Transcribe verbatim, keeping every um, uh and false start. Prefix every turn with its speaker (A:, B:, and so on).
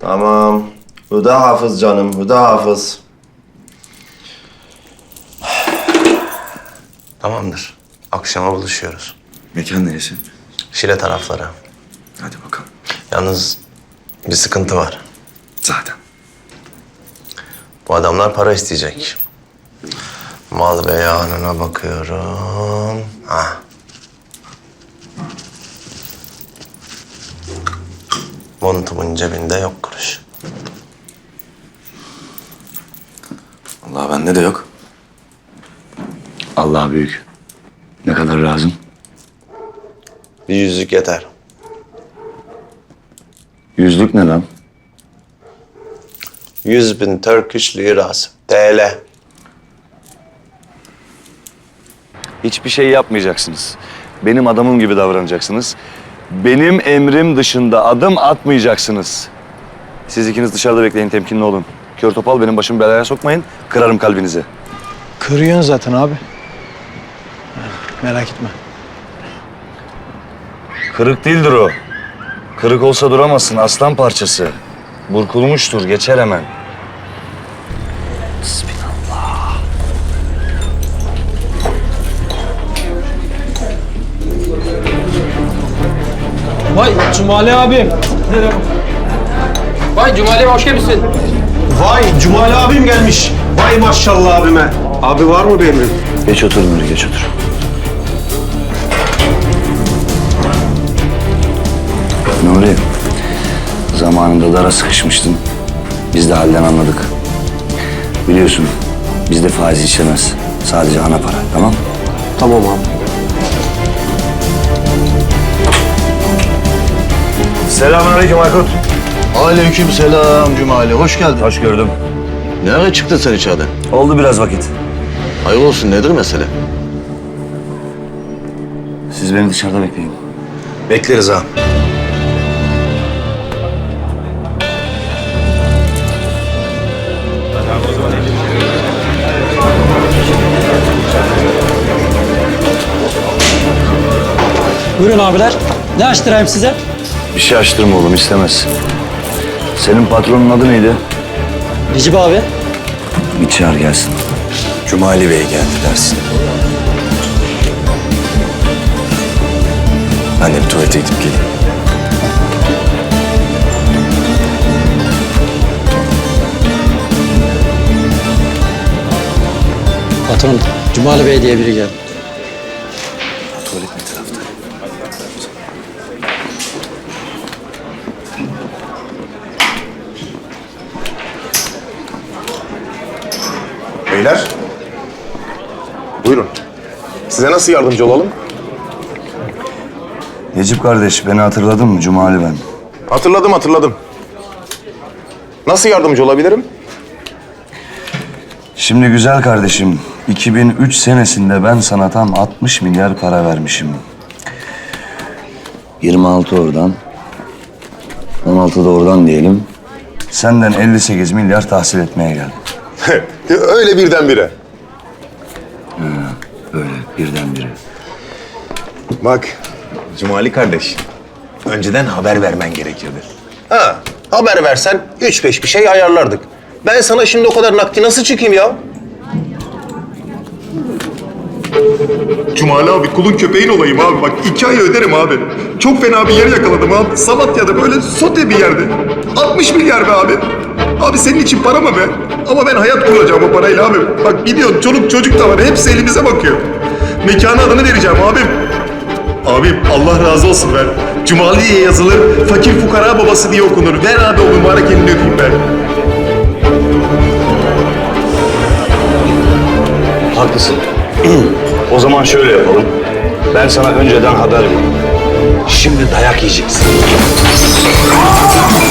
A: Tamam. Huda Hafız canım, Huda Hafız.
B: Tamamdır. Akşama buluşuyoruz.
C: Mekan neresi?
B: Şile tarafları.
C: Hadi bakalım.
B: Yalnız bir sıkıntı var.
C: Zaten.
B: Bu adamlar para isteyecek. Mal beyanına bakıyorum. Ha. Montumun cebinde yok kuruş.
C: Allah bende de yok. Allah büyük. Ne kadar lazım?
B: Bir yüzlük yeter.
C: Yüzlük ne lan?
B: Yüz bin Turkish lirası. T L.
C: Hiçbir şey yapmayacaksınız. Benim adamım gibi davranacaksınız. Benim emrim dışında adım atmayacaksınız. Siz ikiniz dışarıda bekleyin, temkinli olun. Kör topal benim başımı belaya sokmayın, kırarım kalbinizi.
D: Kırıyorsun zaten abi. Merak etme.
C: Kırık değildir o. Kırık olsa duramazsın, aslan parçası. Burkulmuştur, geçer hemen.
D: Vay Cumali abim.
E: Vay Cumali hoş gelmişsin.
F: Vay Cumali abim gelmiş. Vay maşallah abime. Abi var mı bir emrin?
C: Geç otur Nuri, geç otur. Nuri, zamanında dara sıkışmıştın. Biz de halden anladık. Biliyorsun, bizde faiz işlemez. Sadece ana para, tamam?
F: Tamam abi.
C: Selamünaleyküm Aykut.
G: Aleyküm selam Cumali. Hoş geldin.
C: Hoş gördüm.
G: Ne ara çıktın sen içeriden?
C: Oldu biraz vakit.
G: Hayır olsun, nedir mesele?
C: Siz beni dışarıda bekleyin.
B: Bekleriz ha.
D: Buyurun abiler. Ne açtırayım size?
C: Bir şey açtırma oğlum, istemez. Senin patronun adı neydi?
D: Necip abi.
C: Bir çağır gelsin.
B: Cumali Bey geldi dersin. Ben de bir tuvalete gidip geleyim.
D: Patron, Cumali Bey diye biri geldi.
B: Tuvalet ne tarafta?
H: Beyler, buyurun. Size nasıl yardımcı olalım?
C: Necip kardeş, beni hatırladın mı? Cumali ben.
H: Hatırladım, hatırladım. Nasıl yardımcı olabilirim?
C: Şimdi güzel kardeşim, iki bin üç senesinde ben sana tam altmış milyar para vermişim. yirmi altı oradan, on altı da oradan diyelim. Senden elli sekiz milyar tahsil etmeye geldim.
H: Öyle birdenbire.
C: Böyle birdenbire.
H: Bak,
B: Cumali kardeş, önceden haber vermen gerekirdi.
H: ha haber versen üç beş bir şey ayarlardık. Ben sana şimdi o kadar nakdi nasıl çıkayım ya?
I: Cumali abi kulun köpeğin olayım abi bak iki ay öderim abi. Çok fena bir yer yakaladım abi. Samatya'da böyle sote bir yerde. altmış milyar be abi. Abi senin için para mı be? Ama ben hayat kuracağım o parayla abi. Bak gidiyorsun çoluk çocuk da var hepsi elimize bakıyor. Mekanı adını vereceğim abim. Abim Allah razı olsun ver. Cumali diye yazılır, fakir fukara babası diye okunur. Ver abi o mübarek elini öpeyim ben.
C: Haklısın. O zaman şöyle yapalım. Ben sana önceden haber vereyim. Şimdi dayak yiyeceksin.